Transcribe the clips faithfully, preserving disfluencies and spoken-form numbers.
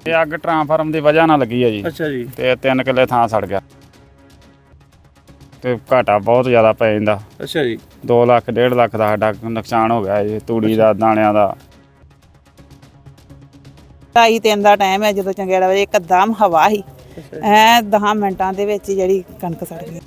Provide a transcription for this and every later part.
ਇਹ ਅੱਗ ਟਰਾਂਸਫਾਰਮ ਦੀ ਵਜ੍ਹਾ ਨਾਲ ਲੱਗੀ ਹੈ ਜੀ। ਅੱਛਾ ਜੀ। ਤੇ ਤਿੰਨ ਕਿੱਲੇ ਥਾਂ ਸੜ ਗਿਆ ਤੇ ਘਾਟਾ ਬਹੁਤ ਜ਼ਿਆਦਾ ਪੈ ਜਾਂਦਾ। ਅੱਛਾ ਜੀ। ਦੋ ਲੱਖ ਡੇਢ ਲੱਖ ਦਾ ਸਾਡਾ ਨੁਕਸਾਨ ਹੋ ਗਿਆ ਜੀ, ਤੂੜੀ ਦਾ, ਦਾਣਿਆਂ ਦਾ। ਢਾਈ ਤਿੰਨ ਦਾ ਟਾਈਮ ਹੈ ਜਦੋਂ ਚੰਗੇੜਾ ਵਜੇ ਇੱਕਦਮ ਹਵਾ ਸੀ, ਐ ਦਸ ਮਿੰਟਾਂ ਦੇ ਵਿੱਚ ਜਿਹੜੀ ਕਣਕ ਸੜ ਗਈ।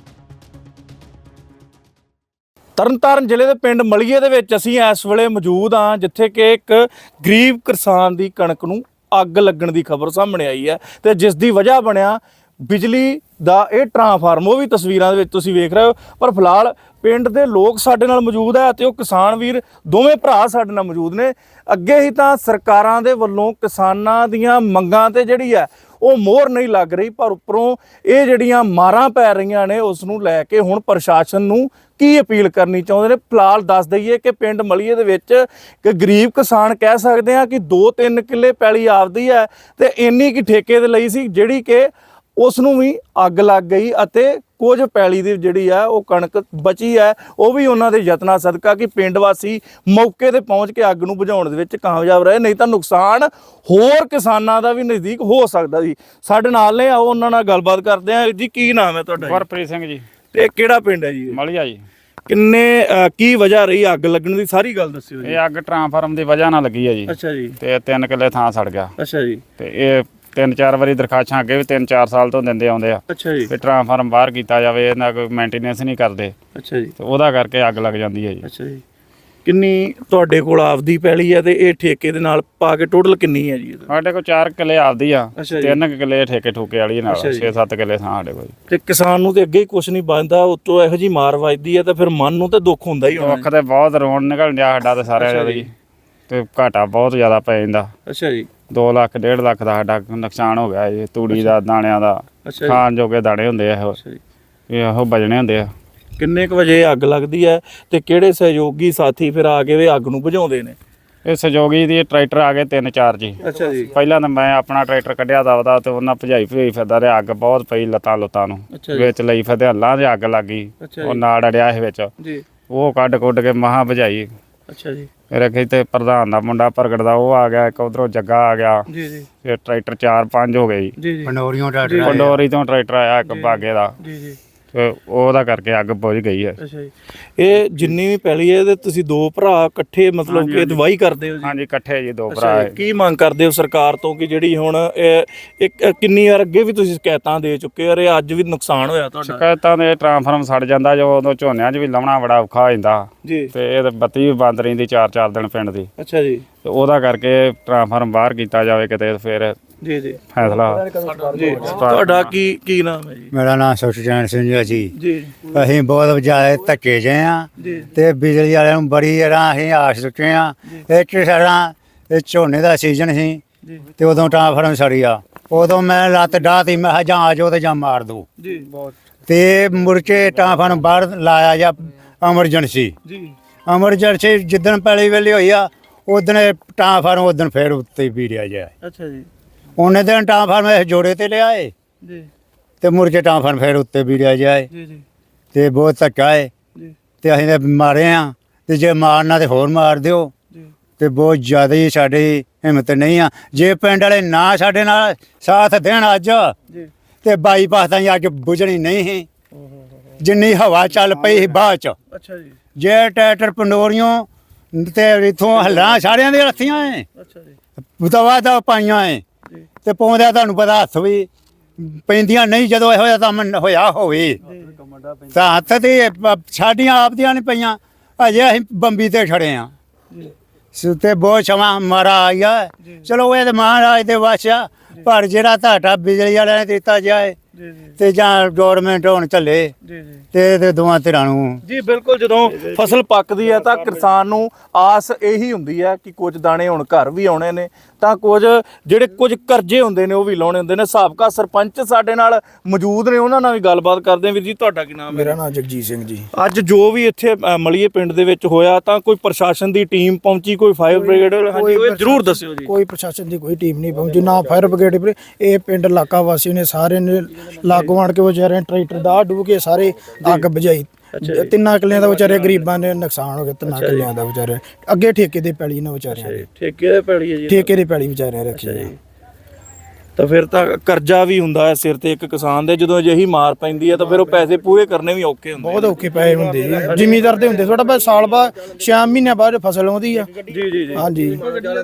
ਤਰਨਤਾਰਨ ਜ਼ਿਲ੍ਹੇ ਦੇ ਪਿੰਡ ਮਲੀਏ ਦੇ ਵਿੱਚ ਅਸੀਂ ਇਸ ਵੇਲੇ ਮੌਜੂਦ ਹਾਂ, ਜਿੱਥੇ ਕਿ ਇੱਕ ਗਰੀਬ ਕਿਸਾਨ ਦੀ ਕਣਕ ਨੂੰ ਅੱਗ ਲੱਗਣ ਦੀ ਖਬਰ ਸਾਹਮਣੇ ਆਈ ਹੈ ਤੇ ਜਿਸ ਦੀ ਵਜ੍ਹਾ ਬਣਿਆ ਬਿਜਲੀ ਦਾ ਇਹ ਟਰਾਂਸਫਾਰਮ। ਉਹ ਵੀ ਤਸਵੀਰਾਂ ਦੇ ਵਿੱਚ ਤੁਸੀਂ ਵੇਖ ਰਹੇ ਹੋ। ਪਰ ਫਿਲਹਾਲ ਪਿੰਡ ਦੇ ਲੋਕ ਸਾਡੇ ਨਾਲ ਮੌਜੂਦ ਹੈ ਤੇ ਉਹ ਕਿਸਾਨ ਵੀਰ ਦੋਵੇਂ ਭਰਾ ਸਾਡੇ ਨਾਲ ਮੌਜੂਦ ਨੇ। ਅੱਗੇ ਹੀ ਤਾਂ ਸਰਕਾਰਾਂ ਦੇ ਵੱਲੋਂ ਕਿਸਾਨਾਂ ਦੀਆਂ ਮੰਗਾਂ ਤੇ ਜਿਹੜੀ ਹੈ ਉਹ ਮੋਹਰ ਨਹੀਂ ਲੱਗ ਰਹੀ, ਪਰ ਉੱਪਰੋਂ ਇਹ ਜਿਹੜੀਆਂ ਮਾਰਾਂ ਪੈ ਰਹੀਆਂ ਨੇ ਉਸ ਨੂੰ ਲੈ ਕੇ ਹੁਣ ਪ੍ਰਸ਼ਾਸਨ ਨੂੰ ਕੀ ਅਪੀਲ ਕਰਨੀ ਚਾਹੁੰਦੇ ਨੇ। ਫਿਲਹਾਲ ਦੱਸ ਦਈਏ ਕਿ ਪਿੰਡ ਮਲੀਏ ਦੇ ਵਿੱਚ ਇੱਕ ਗਰੀਬ ਕਿਸਾਨ ਕਹਿ ਸਕਦੇ ਹਾਂ ਕਿ ਦੋ ਤਿੰਨ ਕਿੱਲੇ ਪੈਲੀ ਆਪਦੀ ਹੈ ਤੇ ਇੰਨੀ ਕਿ ਠੇਕੇ ਦੇ ਲਈ ਸੀ, ਜਿਹੜੀ ਕਿ ਉਸ ਨੂੰ ਵੀ ਅੱਗ ਲੱਗ ਗਈ ਅਤੇ ਕੁਝ ਪੈਲੀ ਦੀ ਜਿਹੜੀ ਆ ਉਹ ਕਣਕ ਬਚੀ ਹੈ, ਉਹ ਵੀ ਉਹਨਾਂ ਦੇ ਯਤਨਾਂ ਸਦਕਾ ਕਿ ਪਿੰਡ ਵਾਸੀ ਮੌਕੇ ਤੇ ਪਹੁੰਚ ਕੇ ਅੱਗ ਨੂੰ ਬੁਝਾਉਣ ਦੇ ਵਿੱਚ ਕਾਮਯਾਬ ਰਹੇ, ਨਹੀਂ ਤਾਂ ਨੁਕਸਾਨ ਹੋਰ ਕਿਸਾਨਾਂ ਦਾ ਵੀ ਨਜ਼ਦੀਕ ਹੋ ਸਕਦਾ ਸੀ। ਸਾਡੇ ਨਾਲ ਨੇ, ਆਓ ਉਹਨਾਂ ਨਾਲ ਗੱਲਬਾਤ ਕਰਦੇ ਹਾਂ। ਜੀ ਕੀ ਨਾਮ ਹੈ ਤੁਹਾਡਾ? ਗੁਰਪ੍ਰੀਤ ਸਿੰਘ ਜੀ। ਤੇ ਕਿਹੜਾ ਪਿੰਡ ਹੈ ਜੀ? ਮਲੀਆ ਜੀ। ਕਿੰਨੇ ਕੀ ਵਜ੍ਹਾ ਰਹੀ ਅੱਗ ਲੱਗਣ ਦੀ, ਸਾਰੀ ਗੱਲ ਦੱਸਿਓ ਜੀ। ਇਹ ਅੱਗ ਟਰਾਂਸਫਾਰਮ ਦੀ ਵਜ੍ਹਾ ਨਾਲ ਲੱਗੀ ਹੈ ਜੀ। ਅੱਛਾ ਜੀ। ਤੇ ਤਿੰਨ ਕਿੱਲੇ ਥਾਂ ਸੜ ਗਿਆ। ਅੱਛਾ ਜੀ। ਤੇ ਇਹ ਤਿੰਨ ਚਾਰ ਵਾਰੀ ਦਰਖਾਸਤਾਂ ਅੱਗੇ ਵੀ ਤਿੰਨ ਚਾਰ ਸਾਲ ਤੋਂ ਦਿੰਦੇ ਆਉਂਦੇ ਆ। ਅੱਛਾ ਜੀ। ਵੀ ਟਰਾਂਸਫਾਰਮ ਬਾਹਰ ਕੀਤਾ ਜਾਵੇ, ਇਹਨਾਂ ਕੋਈ ਮੇਨਟੇਨੈਂਸ ਨਹੀਂ ਕਰਦੇ। ਅੱਛਾ ਜੀ। ਤੇ ਉਹਦਾ ਕਰਕੇ ਅੱਗ ਲੱਗ ਜਾਂਦੀ ਹੈ ਜੀ। ਅੱਛਾ ਜੀ। ਕਿੰਨੀ ਤੁਹਾਡੇ ਕੋਲ ਆਪਦੀ ਪੈਲੀ ਹੈ ਤੇ ਇਹ ਠੇਕੇ ਦੇ ਨਾਲ ਪਾ ਕੇ ਟੋਟਲ ਕਿੰਨੀ ਹੈ ਜੀ? ਸਾਡੇ ਕੋਲ ਚਾਰ ਕਿੱਲੇ ਆਪਦੀ ਆ, ਅੱਛਾ ਜੀ। ਤਿੰਨ ਕਿੱਲੇ ਠੇਕੇ ਠੂਕੇ ਵਾਲੀ ਨਾਲ, ਅੱਛਾ ਜੀ। ਛੇ ਸੱਤ ਕਿੱਲੇ ਥਾਂ ਸਾਡੇ ਕੋਲ। ਤੇ ਕਿਸਾਨ ਨੂੰ ਤੇ ਅੱਗੇ ਹੀ ਕੁਝ ਨਹੀਂ ਬਚਦਾ, ਉੱਤੋਂ ਇਹੋ ਜੀ ਮਾਰ ਵੱਜਦੀ ਹੈ ਤਾਂ ਫਿਰ ਮਨ ਨੂੰ ਤੇ ਦੁੱਖ ਹੁੰਦਾ ਹੀ ਹੋਣਾ। ਦੁੱਖ ਤੇ ਬਹੁਤ ਰੋਣ ਨਿਕਲ ਗਿਆ ਸਾਡਾ ਤੇ ਸਾਰਿਆਂ ਦਾ ਜੀ। ਤੇ ਘਾਟਾ ਬਹੁਤ ਜ਼ਿਆਦਾ ਪੈ ਜਾਂਦਾ। ਅੱਛਾ ਜੀ। ਦੋ ਲੱਖ ਡੇਢ ਲੱਖ ਦਾ ਸਾਡਾ ਨੁਕਸਾਨ ਹੋ ਗਿਆ ਜੀ, ਤੂੜੀ ਦਾ, ਦਾਣਿਆਂ ਦਾ। ਅੱਛਾ ਜੀ। ਖਾਣ ਜੋਗੇ ਦਾਣੇ ਹੁੰਦੇ ਆ ਇਹੋ, ਅੱਛਾ ਜੀ। ਇਹੋ ਬਜਣੇ ਹੁੰਦੇ ਆ। ਕਿੰਨੇ ਕੁ ਵਜੇ ਅੱਗ ਲੱਗਦੀ ਹੈ ਤੇ ਕਿਹੜੇ ਸਹਿਯੋਗੀ ਸਾਥੀ ਫਿਰ ਆ ਕੇ ਵੀ ਅੱਗ ਨੂੰ ਬੁਝਾਉਂਦੇ ਨੇ? ਇਹ ਸਹਿਯੋਗੀ ਦੀ ਟਰੈਕਟਰ ਆ ਗਏ ਤਿੰਨ ਚਾਰ ਜੀ। ਅੱਛਾ ਜੀ। ਪਹਿਲਾਂ ਤਾਂ ਮੈਂ ਆਪਣਾ ਟਰੈਕਟਰ ਕੱਢਿਆ ਦਵਦਾ ਤੇ ਉਹਨਾਂ ਭਜਾਈ ਭਜਾਈ ਫਿਰਦਾ ਰਿਹਾ, ਅੱਗ ਬਹੁਤ ਪਈ ਲੱਤਾਂ ਲੁੱਤਾਂ ਨੂੰ। ਵਿੱਚ ਲਈ ਫਿਰਦੇ ਹੱਲਾਂ ਦੇ ਅੱਗ ਲੱਗ ਗਈ, ਉਹ ਨਾੜ ਅੜਿਆ ਇਹ ਵਿੱਚ ਜੀ। ਉਹ ਕੱਢ ਕੁੱਢ ਕੇ ਮਹਾਂ ਭਜਾਈ। ਅੱਛਾ ਜੀ। ਫਿਰ ਅੱਗੇ ਤੇ ਪ੍ਰਧਾਨ ਦਾ ਮੁੰਡਾ ਪ੍ਰਗਟ ਦਾ ਉਹ ਆ ਗਿਆ, ਇੱਕ ਉਧਰੋਂ ਜੱਗਾ ਆ ਗਿਆ ਜੀ ਜੀ। ਫਿਰ ਟਰੈਕਟਰ ਚਾਰ ਪੰਜ ਹੋ ਗਏ ਜੀ। ਪੰਡੋਰੀਓਂ ਟਰੈਕਟਰ, ਪੰਡੋਰੀ ਤੋਂ ਟਰੈਕਟਰ ਆਇਆ ਇੱਕ ਬਾਗੇ ਦਾ ਜੀ ਜੀ। ਤੇ ਉਹਦਾ ਕਰਕੇ ਅੱਗ ਬੁਝ ਗਈ ਹੈ। ਅੱਛਾ ਜੀ। ਇਹ ਜਿੰਨੀ ਵੀ ਪੈਲੀ ਹੈ ਤੇ ਤੁਸੀਂ ਦੋ ਭਰਾ ਇਕੱਠੇ ਮਤਲਬ ਕਿ ਦਵਾਈ ਕਰਦੇ ਹੋ ਜੀ? ਹਾਂਜੀ, ਇਕੱਠੇ ਜੀ ਦੋ ਭਰਾ। ਕੀ ਮੰਗ ਕਰਦੇ ਹੋ ਸਰਕਾਰ ਤੋਂ ਕਿ ਜਿਹੜੀ ਹੁਣ ਇੱਕ ਕਿੰਨੀ ਵਾਰ ਅੱਗੇ ਵੀ ਤੁਸੀਂ ਸ਼ਿਕਾਇਤਾਂ ਦੇ ਚੁੱਕੇ ਹੋ, ਅੱਜ ਵੀ ਨੁਕਸਾਨ ਹੋਇਆ ਤੁਹਾਡਾ? ਸ਼ਿਕਾਇਤਾਂ ਦੇ ਟਰਾਂਸਫਾਰਮ ਸੜ ਜਾਂਦਾ ਜੋ, ਉਦੋਂ ਝੋਨਿਆਂ 'ਚ ਵੀ ਲਾਉਣਾ ਬੜਾ ਔਖਾ ਹੋ ਜਾਂਦਾ ਜੀ। ਤੇ ਇਹ ਬੱਤੀ ਵੀ ਬੰਦ ਰਹਿੰਦੀ ਚਾਰ ਚਾਰ ਦਿਨ ਪਿੰਡ ਦੀ। ਅੱਛਾ ਜੀ। ਤੇ ਉਹਦਾ ਕਰਕੇ ਟਰਾਂਸਫਾਰਮ ਬਾਹਰ ਕੀਤਾ ਜਾਵੇ ਕਿਤੇ, ਫਿਰ ਜੀ ਜੀ ਫੈਸਲਾ ਜੀ। ਤੁਹਾਡਾ ਕੀ ਕੀ ਨਾਮ ਹੈ ਜੀ? ਮੇਰਾ ਨਾਮ ਸੁਖਚੈਨ ਸਿੰਘ ਹੈ ਜੀ ਜੀ। ਅਸੀਂ ਬਹੁਤ ਜ਼ਿਆਦਾ ਧੱਕੇ ਜੇ ਆ ਤੇ ਬਿਜਲੀ ਵਾਲਿਆਂ ਨੂੰ ਬੜੀ ਰਾਂ ਅਸੀਂ ਆਸ ਚੁੱਕੇ ਆ। ਇਹ ਸਾਡਾ ਇਹ ਝੋਨੇ ਦਾ ਸੀਜ਼ਨ ਸੀ ਤੇ ਉਦੋਂ ਟਰਾਂਸਫਾਰਮ ਸੜੀ ਆ, ਉਦੋਂ ਮੈਂ ਲੱਤ ਡਾਹਤੀ, ਮੈਂ ਕਿਹਾ ਜਾਂ ਆ ਜਾਓ ਤੇ ਜਾਂ ਮਾਰ ਦੋ ਜੀ। ਬਹੁਤ ਤੇ ਮੁਰਕੇ ਟਰਾਂਸਫਾਰਮ ਬਾਹਰ ਲਾਇਆ ਜਾਂ ਐਮਰਜੈਂਸੀ ਜੀ। ਐਮਰਜੈਂਸੀ ਜਿੱਦਣ ਪਹਿਲੀ ਵੇਲੇ ਹੋਈ ਆ ਉਦਣ ਟਰਾਂਸਫਾਰਮ ਉਦਣ ਫਿਰ ਉੱਤੇ ਵੀ ਰਿਹਾ ਜਾਏ। ਅੱਛਾ ਜੀ। ਉਹਨੇ ਦਿਨ ਟਰਾਂਸਫਾਰਮ ਇਸ ਜੋੜੇ ਤੇ ਲਿਆਏ ਜੀ ਤੇ ਮੁਰਕੇ ਟਰਾਂਸਫਾਰਮ ਫਿਰ ਉੱਤੇ ਵੀ ਰਿਹਾ ਜਾਏ ਜੀ ਜੀ। ਤੇ ਬਹੁਤ ਧੱਕਾ ਹੈ ਜੀ। ਤੇ ਅਸੀਂ ਤਾਂ ਮਾਰੇ ਆ, ਤੇ ਜੇ ਮਾਰਨਾ ਤੇ ਹੋਰ ਮਾਰ ਦਿਓ ਜੀ। ਤੇ ਬਹੁਤ ਜ਼ਿਆਦਾ ਹੀ ਸਾਡੀ ਹਿੰਮਤ ਨਹੀਂ ਆ। ਜੇ ਪਿੰਡ ਵਾਲੇ ਨਾ ਸਾਡੇ ਨਾਲ ਸਾਥ ਦੇਣ ਅੱਜ ਜੀ ਤੇ ਬਾਈਪਾਸ ਤਾਂ ਅੱਜ ਬੁਝਣੀ ਨਹੀਂ ਸੀ, ਜਿੰਨੀ ਹਵਾ ਚੱਲ ਪਈ ਸੀ ਬਾਅਦ ਚ। ਅੱਛਾ ਜੀ। ਜੇ ਟਰੈਕਟਰ ਪੰਡੋਰੀਓਂ ਤੇ ਇਥੋਂ ਹੱਲਾਂ ਸਾਰਿਆਂ ਦੀਆਂ ਰੱਥੀਆਂ ਏ। ਅੱਛਾ ਜੀ। ਦਵਾ ਦਾ ਪਾਈਆਂ ਏ ਤੇ ਪਾਉਂਦਿਆਂ ਤੁਹਾਨੂੰ ਪਤਾ ਹੱਥ ਵੀ ਪੈਂਦੀਆਂ ਨਹੀਂ, ਜਦੋਂ ਇਹੋ ਜਿਹਾ ਕੰਮ ਹੋਇਆ ਹੋਵੇ ਤਾਂ ਹੱਥ ਤੇ ਸਾਡੀਆਂ ਆਪ ਦੀਆਂ ਨਹੀਂ ਪਈਆਂ। ਅਜੇ ਅਸੀਂ ਬੰਬੀ ਤੇ ਖੜੇ ਆ ਤੇ ਬਹੁਤ ਸਮਾਂ ਮਾਰਾ ਆਇਆ। ਚਲੋ ਇਹ ਤਾਂ ਮਹਾਰਾਜ ਦੇ ਵਸ ਆ, ਪਰ ਜਿਹੜਾ ਤੁਹਾਡਾ ਬਿਜਲੀ ਵਾਲਿਆਂ ਨੇ ਦਿੱਤਾ ਜਾਏ ਤੇ ਜਾਂ ਗੌਰਮੈਂਟ ਹੁਣ ਚੱਲੇ ਤੇ ਦੋਵਾਂ ਧਿਰਾਂ ਨੂੰ ਜੀ। ਬਿਲਕੁਲ, ਜਦੋਂ ਫਸਲ ਪੱਕਦੀ ਹੈ ਤਾਂ ਕਿਸਾਨ ਨੂੰ ਆਸ ਇਹੀ ਹੁੰਦੀ ਹੈ ਕਿ ਕੁਝ ਦਾਣੇ ਹੁਣ ਘਰ ਵੀ ਆਉਣੇ ਨੇ, ਤਾਂ ਕੁਝ ਜਿਹੜੇ ਕੁਝ ਕਰਜ਼ੇ ਹੁੰਦੇ ਨੇ ਉਹ ਵੀ ਲਾਉਣੇ ਹੁੰਦੇ ਨੇ। ਸਾਬਕਾ ਸਰਪੰਚ ਸਾਡੇ ਨਾਲ ਮੌਜੂਦ ਨੇ, ਉਹਨਾਂ ਨਾਲ ਵੀ ਗੱਲਬਾਤ ਕਰਦੇ ਹਾਂ। ਵੀਰ ਜੀ, ਤੁਹਾਡਾ ਕੀ ਨਾਮ ਹੈ? ਮੇਰਾ ਨਾਮ ਜਗਜੀਤ ਸਿੰਘ ਜੀ। ਅੱਜ ਜੋ ਵੀ ਇੱਥੇ ਮਲੀਏ ਪਿੰਡ ਦੇ ਵਿੱਚ ਹੋਇਆ, ਤਾਂ ਕੋਈ ਪ੍ਰਸ਼ਾਸਨ ਦੀ ਟੀਮ ਪਹੁੰਚੀ, ਕੋਈ ਫਾਇਰ ਬ੍ਰਿਗੇਡ? ਹਾਂਜੀ, ਉਹ ਜ਼ਰੂਰ ਦੱਸਿਓ ਜੀ। ਕੋਈ ਪ੍ਰਸ਼ਾਸਨ ਦੀ ਕੋਈ ਟੀਮ ਨਹੀਂ ਪਹੁੰਚੀ, ਨਾ ਫਾਇਰ ਬ੍ਰਿਗੇਡ। ਇਹ ਪਿੰਡ ਇਲਾਕਾ ਵਾਸੀ ਨੇ ਸਾਰੇ ਨੇ ਲਾਗੋਂ ਆਣ ਕੇ ਵਿਚਾਰੇ ਟਰੈਕਟਰ ਦਾ ਡੂਬ ਕੇ ਸਾਰੇ ਅੱਗ ਬੁਝਾਈ। ਤਿੰਨਾਂ ਕਿੱਲਿਆਂ ਦਾ ਵਿਚਾਰੇ ਗਰੀਬਾਂ ਦੇ ਨੁਕਸਾਨ ਹੋ ਗਿਆ, ਤਿੰਨਾਂ ਕਿੱਲਿਆਂ ਦਾ ਵਿਚਾਰੇ। ਅੱਗੇ ਠੇਕੇ ਦੇ ਪੈਲੀ ਨਾ ਵਿਚਾਰਿਆਂ ਦੇ, ਠੇਕੇ ਦੇ ਪੈਲੀ ਹੈ ਜੀ। ਠੇਕੇ ਦੀ ਪੈਲੀ ਵਿਚਾਰਿਆਂ ਰੱਖੀ ਹੈ। ਤਾਂ ਫਿਰ ਤਾਂ ਕਰਜ਼ਾ ਵੀ ਹੁੰਦਾ ਹੈ ਸਿਰ ਤੇ ਇੱਕ ਕਿਸਾਨ ਦੇ, ਜਦੋਂ ਅਜਿਹੀ ਮਾਰ ਪੈਂਦੀ ਹੈ ਤਾਂ ਫਿਰ ਉਹ ਪੈਸੇ ਪੂਰੇ ਕਰਨੇ ਵੀ ਔਖੇ ਹੁੰਦੇ। ਬਹੁਤ ਔਖੇ ਪਏ ਹੁੰਦੇ ਜੀ, ਜ਼ਿਮੀਦਾਰ ਦੇ ਹੁੰਦੇ ਥੋੜਾ, ਬਸ ਸਾਲ ਬਾਅਦ ਛੇ ਮਹੀਨਿਆਂ ਬਾਅਦ ਫਸਲ ਆਉਂਦੀ ਆ। ਜੀ ਜੀ ਜੀ ਹਾਂਜੀ।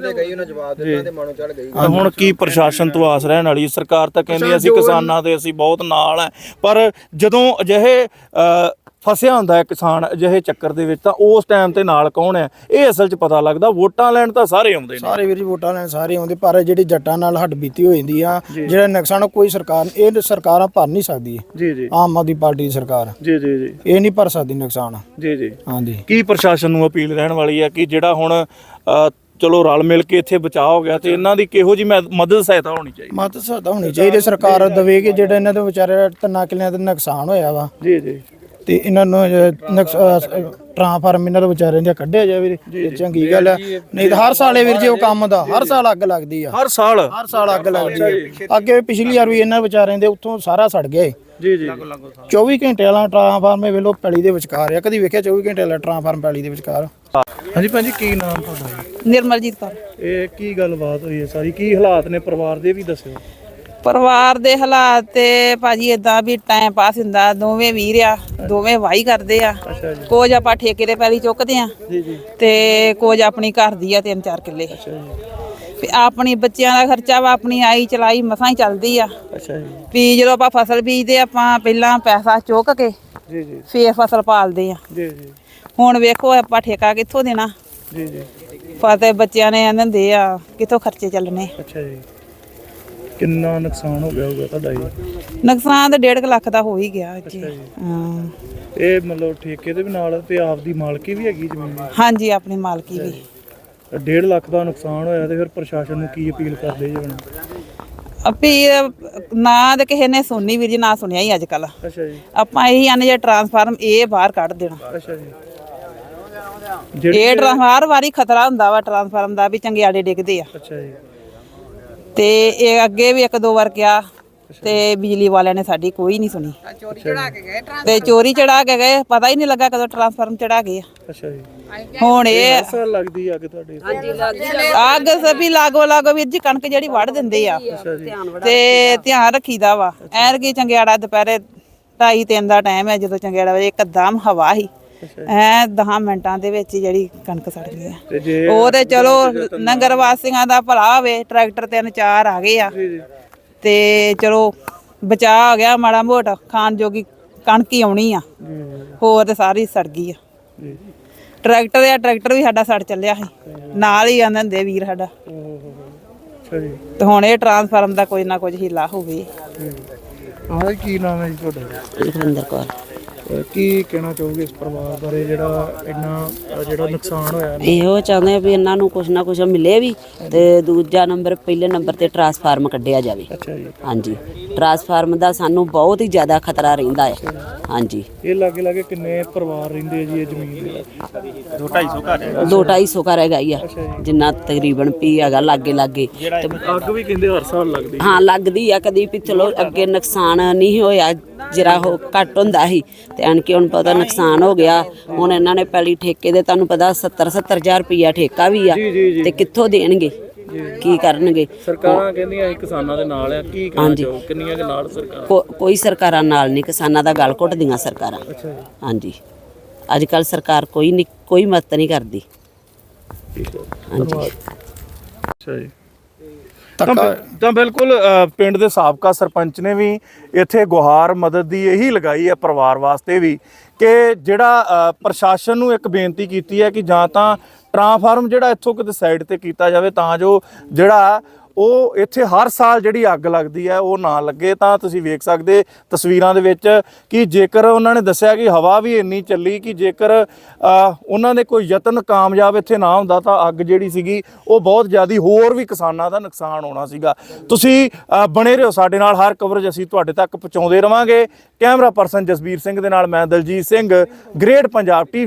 ਤਾਂ ਹੁਣ ਕੀ ਪ੍ਰਸ਼ਾਸਨ ਤੋਂ ਆਸ ਰਹਿਣ ਵਾਲੀ? ਸਰਕਾਰ ਤਾਂ ਕਹਿੰਦੀ ਅਸੀਂ ਕਿਸਾਨਾਂ ਦੇ ਅਸੀਂ ਬਹੁਤ ਨਾਲ ਹੈ, ਪਰ ਜਦੋਂ ਅਜਿਹੇ ਅ, ਫਸਿਆ ਹੁੰਦਾ ਹੈ ਕਿਸਾਨ ਅਜਿਹੇ ਚੱਕਰ ਦੇ ਵਿੱਚ, ਤਾਂ ਉਸ ਟਾਈਮ ਤੇ ਨਾਲ ਕੌਣ ਹੈ ਇਹ ਅਸਲ 'ਚ ਪਤਾ ਲੱਗਦਾ। ਵੋਟਾਂ ਲੈਣ ਤਾਂ ਸਾਰੇ ਆਉਂਦੇ ਨੇ, ਸਾਰੇ ਵੀਰ ਜੀ ਵੋਟਾਂ ਲੈਣ ਸਾਰੇ ਆਉਂਦੇ, ਪਰ ਜਿਹੜੀ ਜੱਟਾਂ ਨਾਲ ਹੱਡ ਬੀਤੀ ਹੋ ਜਾਂਦੀ ਆ, ਜਿਹੜਾ ਨੁਕਸਾਨ ਕੋਈ ਸਰਕਾਰ ਇਹ ਸਰਕਾਰਾਂ ਭਰ ਨਹੀਂ ਸਕਦੀ। ਜੀ ਜੀ ਆਮ ਆਦਮੀ ਪਾਰਟੀ ਦੀ ਸਰਕਾਰ ਜੀ ਜੀ ਜੀ ਇਹ ਨਹੀਂ ਭਰ ਸਕਦੀ ਨੁਕਸਾਨ। ਜੀ ਜੀ ਹਾਂਜੀ। ਕੀ ਪ੍ਰਸ਼ਾਸਨ ਨੂੰ ਅਪੀਲ ਰਹਿਣ ਵਾਲੀ ਹੈ ਕਿ ਜਿਹੜਾ ਹੁਣ ਅ, ਚਲੋ ਰਲ ਮਿਲ ਕੇ ਇੱਥੇ ਬਚਾਅ ਹੋ ਗਿਆ, ਤੇ ਇਹਨਾਂ ਦੀ ਕਿਹੋ ਜੀ ਮਦਦ ਸਹਾਇਤਾ ਹੋਣੀ ਚਾਹੀਦੀ? ਮਦਦ ਸਹਾਇਤਾ ਹੋਣੀ ਚਾਹੀਦੀ, ਸਰਕਾਰ ਦੇਵੇ ਕਿ ਜਿਹੜਾ ਇਹਨਾਂ ਦੇ ਵਿਚਾਰੇ ਤਿੰਨਾਂ ਕਿੱਲਿਆਂ ਦਾ ਨੁਕਸਾਨ ਹੋਇਆ ਵਾ, ਜੀ ਜੀ ਤੇ ਇਹਨਾਂ ਨੂੰ ਟ੍ਰਾਂਸਫਾਰਮ ਇਹਨਾਂ ਦੇ ਵਿਚਾਰਿਆਂ ਦਾ ਕੱਢਿਆ ਜਾਵੇ, ਇਹ ਚੰਗੀ ਗੱਲ ਹੈ। ਨਹੀਂ ਤਾਂ ਹਰ ਸਾਲ ਇਹ ਵੀਰ ਜੀ ਉਹ ਕੰਮ ਦਾ ਹਰ ਸਾਲ ਅੱਗ ਲੱਗਦੀ ਆ, ਹਰ ਸਾਲ ਹਰ ਸਾਲ ਅੱਗ ਲੱਗਦੀ ਆ। ਅੱਗੇ ਪਿਛਲੀ ਵਾਰ ਵੀ ਇਹਨਾਂ ਵਿਚਾਰਿਆਂ ਦੇ ਉੱਥੋਂ ਸਾਰਾ ਸੜ ਗਿਆ ਏ। ਜੀ ਜੀ ਚੌਵੀ ਘੰਟੇ ਵਾਲਾ ਟ੍ਰਾਂਸਫਾਰਮ ਇਹ ਵੇਲੋ ਪੈਲੀ ਦੇ ਵਿਚਕਾਰ ਆ, ਕਦੀ ਵੇਖਿਆ ਚੌਵੀ ਘੰਟੇ ਵਾਲਾ ਟ੍ਰਾਂਸਫਾਰਮ ਪੈਲੀ ਦੇ ਵਿਚਕਾਰ? ਹਾਂਜੀ ਭੈਣ ਜੀ, ਕੀ ਨਾਮ ਤੁਹਾਡਾ? ਨਿਰਮਲਜੀਤ ਕੌਰ। ਇਹ ਕੀ ਗੱਲਬਾਤ ਹੋਈ ਹੈ ਸਾਰੀ, ਕੀ ਹਾਲਾਤ ਨੇ ਪਰਿਵਾਰ ਦੇ ਵੀ ਦੱਸਿਓ। ਪਰਿਵਾਰ ਦੇ ਹਾਲਾਤ ਤੇ ਭਾਜੀ ਇਦਾਂ ਵੀ ਟਾਈਮ ਪਾਸ ਹੁੰਦਾ, ਦੋਵੇਂ ਵੀਰ ਆ, ਦੋਵੇਂ ਵਾਹੀ ਕਰਦੇ ਆ। ਕੁਝ ਆਪਾਂ ਠੇਕੇ ਤੇ ਪੈਲੀ ਚੁੱਕਦੇ ਆ ਤੇ ਕੁਝ ਆਪਣੀ ਘਰ ਦੀ ਆ ਤਿੰਨ ਚਾਰ ਕਿੱਲੇ। ਵੀ ਆਪਣੀ ਬੱਚਿਆਂ ਦਾ ਖਰਚਾ ਵਾ, ਆਪਣੀ ਆਈ ਚਲਾਈ ਮਸਾਂ ਹੀ ਚੱਲਦੀ ਆ। ਵੀ ਜਦੋਂ ਆਪਾਂ ਫਸਲ ਬੀਜਦੇ ਆਪਾਂ ਪਹਿਲਾਂ ਪੈਸਾ ਚੁੱਕ ਕੇ ਫੇਰ ਫਸਲ ਪਾਲਦੇ ਆ। ਹੁਣ ਵੇਖੋ ਆਪਾਂ ਠੇਕਾ ਕਿੱਥੋਂ ਦੇਣਾ? ਜੀ ਜੀ ਫਤੇ ਬੱਚਿਆਂ ਨੇ ਦਿੰਦੇ ਆ, ਕਿੱਥੋਂ ਖਰਚੇ ਚੱਲਣੇ? ਅੱਛਾ ਜੀ, ਕਿੰਨਾ ਨੁਕਸਾਨ ਹੋ ਗਿਆ ਹੋਊਗਾ ਤੁਹਾਡਾ ਜੀ? ਨੁਕਸਾਨ ਤਾਂ ਡੇਢ ਕੁ ਲੱਖ ਦਾ ਹੋ ਹੀ ਗਿਆ ਜੀ। ਹਾਂ। ਇਹ ਮਤਲਬ ਠੇਕੇ ਦੇ ਵੀ ਨਾਲ ਤੇ ਆਪ ਦੀ ਮਾਲਕੀ ਵੀ ਹੈਗੀ ਜ਼ਮੀਨ ਦੀ? ਹਾਂਜੀ, ਆਪਣੀ ਮਾਲਕੀ ਵੀ। ਡੇਢ ਲੱਖ ਦਾ ਨੁਕਸਾਨ ਹੋਇਆ ਤੇ ਫਿਰ ਪ੍ਰਸ਼ਾਸਨ ਨੂੰ ਕੀ ਅਪੀਲ ਕਰਦੇ ਜੀ ਹੁਣ? ਅਪੀਲ ਨਾ ਤਾਂ ਕਿਸੇ ਨੇ ਸੁਣਨੀ ਵੀਰ ਜੀ, ਨਾ ਸੁਣਿਆ ਹੀ ਅੱਜ ਕੱਲ। ਅੱਛਾ ਜੀ। ਆਪਾਂ ਇਹੀ ਆਨੇ ਜੇ ਟਰਾਂਸਫਾਰਮ ਇਹ ਬਾਹਰ ਕੱਢ ਦੇਣਾ। ਅੱਛਾ ਜੀ। ਇਹ ਟਰਾਂਸਫਾਰ ਵਾਰੀ ਖਤਰਾ ਹੁੰਦਾ ਵਾ ਟਰਾਂਸਫਾਰਮ ਦਾ, ਵੀ ਚੰਗਿਆੜੇ ਡਿੱਗਦੇ ਆ। ਅੱਛਾ ਜੀ। ਤੇ ਇਹ ਅੱਗੇ ਵੀ ਇੱਕ ਦੋ ਵਾਰ ਕਿਹਾ ਤੇ ਬਿਜਲੀ ਵਾਲਿਆਂ ਨੇ ਸਾਡੀ ਕੋਈ ਨਹੀਂ ਸੁਣੀ। ਚੋਰੀ ਚੜਾ ਕੇ ਗਏ ਤੇ ਚੋਰੀ ਚੜਾ ਕੇ ਗਏ, ਪਤਾ ਹੀ ਨਹੀਂ ਲੱਗਾ ਕਦੋਂ ਟਰਾਂਸਫਾਰਮ ਚੜਾ ਗਏ ਆ। ਅੱਛਾ ਜੀ। ਹੁਣ ਇਹ ਅਸਰ ਲੱਗਦੀ ਅੱਗ ਤੁਹਾਡੇ? ਅੱਗ ਸਭੀ ਲਾਗੋ ਲਾਗੋ ਵੀਰ ਜੀ, ਕਣਕ ਜਿਹੜੀ ਵੱਢ ਦਿੰਦੇ ਆ ਤੇ ਧਿਆਨ ਰੱਖੀਦਾ ਵਾ। ਐਰ ਕੀ ਚੰਗਿਆੜਾ ਦੁਪਹਿਰੇ ਢਾਈ ਤਿੰਨ ਦਾ ਟਾਈਮ ਹੈ, ਜਦੋਂ ਚੰਗਿਆੜਾ ਵਜੇ ਇੱਕਦਮ ਹਵਾ ਹੀ ਐ ਦਸ ਮਿੰਟਾਂ ਦੇ ਵਿੱਚ ਜਿਹੜੀ ਕਣਕ ਸੜ ਗਈ ਆ। ਉਹ ਤੇ ਚਲੋ ਨਗਰ ਵਾਸੀਆਂ ਦਾ ਭਲਾ ਹੋਵੇ, ਟਰੈਕਟਰ ਤਿੰਨ ਚਾਰ ਆ ਗਏ ਆ ਤੇ ਚਲੋ ਬਚਾਅ ਹੋ ਗਿਆ ਮਾੜਾ ਮੋਟਾ, ਖਾਣ ਜੋਗੀ ਕਣਕ ਹੀ ਆਉਣੀ ਆ, ਹੋਰ ਤੇ ਸਾਰੀ ਸੜ ਗਈ ਆ। ਟਰੈਕਟਰ ਆ ਟਰੈਕਟਰ ਵੀ ਸਾਡਾ ਸੜ ਚੱਲਿਆ ਸੀ, ਨਾਲ ਹੀ ਆਂਦੇ ਹੁੰਦੇ ਵੀਰ ਸਾਡਾ। ਤੇ ਹੁਣ ਇਹ ਟਰਾਂਸਫਾਰਮ ਦਾ ਕੋਈ ਨਾ ਕੁਝ ਹੀਲਾ ਹੋਵੇ। ਹਾਂ, ਕੀ ਨਾਮ ਹੈ ਜੀ ਤੁਹਾਡਾ? ਲਖਵਿੰਦਰ ਕੌਰ। ਕੀ ਕਹਿਣਾ ਚਾਹੋਗੇ ਇਸ ਪਰਿਵਾਰ ਬਾਰੇ ਜਿਹੜਾ ਇੰਨਾ ਜਿਹੜਾ ਨੁਕਸਾਨ ਹੋਇਆ? ਇਹੋ ਚਾਹੁੰਦੇ ਆ ਵੀ ਇਹਨਾਂ ਨੂੰ ਕੁਛ ਨਾ ਕੁਛ ਮਿਲੇ ਵੀ, ਤੇ ਦੂਜਾ ਨੰਬਰ ਪਹਿਲੇ ਨੰਬਰ ਤੇ ਟਰਾਂਸਫਾਰਮ ਕੱਢਿਆ ਜਾਵੇ। ਅੱਛਾ ਜੀ। ਹਾਂਜੀ, ਟਰਾਂਸਫਾਰਮ ਦਾ ਸਾਨੂੰ ਬਹੁਤ ਹੀ ਜ਼ਿਆਦਾ ਖਤਰਾ ਰਹਿੰਦਾ ਹੈ। ਹਾਂਜੀ। ਇਹ ਲਾਗੇ ਲਾਗੇ ਕਿੰਨੇ ਪਰਿਵਾਰ ਰਹਿੰਦੇ ਆ ਜੀ ਇਹ ਜ਼ਮੀਨ ਦੇ? ਦੋ ਢਾਈ ਸੌ ਘਰ ਦੋ ਢਾਈ ਸੌ ਘਰ ਹੈਗਾ ਹੀ ਆ, ਜਿੰਨਾ ਤਕਰੀਬਨ ਪੀ ਹੈਗਾ ਲਾਗੇ ਲਾਗੇ। ਤੇ ਅੱਗ ਵੀ ਕਹਿੰਦੇ ਹਰ ਸਾਲ ਲੱਗਦੀ? ਹਾਂ, ਲੱਗਦੀ ਆ। ਕਦੀ ਵੀ ਚਲੋ ਅੱਗੇ ਨੁਕਸਾਨ ਨਹੀਂ ਹੋਇਆ, ਜਰਾ ਉਹ ਘੱਟ ਹੁੰਦਾ ਸੀ, ਤੇ ਆਣ ਕੇ ਹੁਣ ਪਤਾ ਨੁਕਸਾਨ ਹੋ ਗਿਆ। ਹੁਣ ਇਹਨਾਂ ਨੇ ਪਹਿਲੀ ਠੇਕੇ ਦੇ ਤੁਹਾਨੂੰ ਪਤਾ ਸੱਤਰ ਸੱਤਰ ਹਜ਼ਾਰ ਰੁਪਈਆ ਠੇਕਾ ਵੀ ਆ, ਤੇ ਕਿੱਥੋਂ ਦੇਣਗੇ, ਕੀ ਕਰਨਗੇ? ਸਰਕਾਰਾਂ ਕਹਿੰਦੀਆਂ ਅਸੀਂ ਕਿਸਾਨਾਂ ਦੇ ਨਾਲ ਆ, ਕੀ ਕਹਿਣਾ ਚਾਹੋ? ਕਿੰਨੀਆਂ ਦੇ ਨਾਲ ਸਰਕਾਰ? ਕੋ- ਕੋਈ ਸਰਕਾਰਾਂ ਨਾਲ ਨਹੀਂ, ਕਿਸਾਨਾਂ ਦਾ ਗਲ ਘੁੱਟਦੀਆਂ ਸਰਕਾਰਾਂ। ਹਾਂਜੀ, ਅੱਜ ਕੱਲ ਸਰਕਾਰ ਕੋਈ ਨਹੀਂ, ਕੋਈ ਮਦਦ ਨਹੀਂ ਕਰਦੀ। ਹਾਂਜੀ। ਅੱਛਾ ਜੀ। ਤਾਂ ਤਾਂ ਬਿਲਕੁਲ ਪਿੰਡ ਦੇ ਸਾਬਕਾ ਸਰਪੰਚ ਨੇ ਵੀ ਇੱਥੇ ਗੁਹਾਰ ਮਦਦ ਦੀ ਇਹੀ ਲਗਾਈ ਹੈ ਪਰਿਵਾਰ ਵਾਸਤੇ ਵੀ, ਕਿ ਜਿਹੜਾ ਪ੍ਰਸ਼ਾਸਨ ਨੂੰ ਇੱਕ ਬੇਨਤੀ ਕੀਤੀ ਹੈ ਕਿ ਜਾਂ ਤਾਂ ਟਰਾਂਸਫਾਰਮ ਜਿਹੜਾ ਇੱਥੋਂ ਕਿਤੇ ਸਾਈਡ ਤੇ ਕੀਤਾ ਜਾਵੇ, ਤਾਂ ਜੋ ਜਿਹੜਾ ਉਹ ਇੱਥੇ ਹਰ ਸਾਲ ਜਿਹੜੀ ਅੱਗ ਲੱਗਦੀ ਹੈ ਉਹ ਨਾ ਲੱਗੇ। ਤਾਂ ਤੁਸੀਂ ਵੇਖ ਸਕਦੇ ਤਸਵੀਰਾਂ ਦੇ ਵਿੱਚ ਕਿ ਜੇਕਰ ਉਹਨਾਂ ਨੇ ਦੱਸਿਆ ਕਿ ਹਵਾ ਵੀ ਇੰਨੀ ਚੱਲੀ ਕਿ ਜੇਕਰ ਉਹਨਾਂ ਦੇ ਕੋਈ ਯਤਨ ਕਾਮਯਾਬ ਇੱਥੇ ਨਾ ਹੁੰਦਾ ਤਾਂ ਅੱਗ ਜਿਹੜੀ ਸੀਗੀ ਉਹ ਬਹੁਤ ਜ਼ਿਆਦਾ ਹੋਰ ਵੀ ਕਿਸਾਨਾਂ ਦਾ ਨੁਕਸਾਨ ਹੋਣਾ ਸੀਗਾ। ਤੁਸੀਂ ਬਣੇ ਰਹੋ ਸਾਡੇ ਨਾਲ, ਹਰ ਕਵਰੇਜ ਅਸੀਂ ਤੁਹਾਡੇ ਤੱਕ ਪਹੁੰਚਾਉਂਦੇ ਰਵਾਂਗੇ। ਕੈਮਰਾ ਪਰਸਨ ਜਸਬੀਰ ਸਿੰਘ ਦੇ ਨਾਲ ਮੈਂ ਦਲਜੀਤ ਸਿੰਘ, ਗ੍ਰੇਟ ਪੰਜਾਬ ਟੀਵੀ।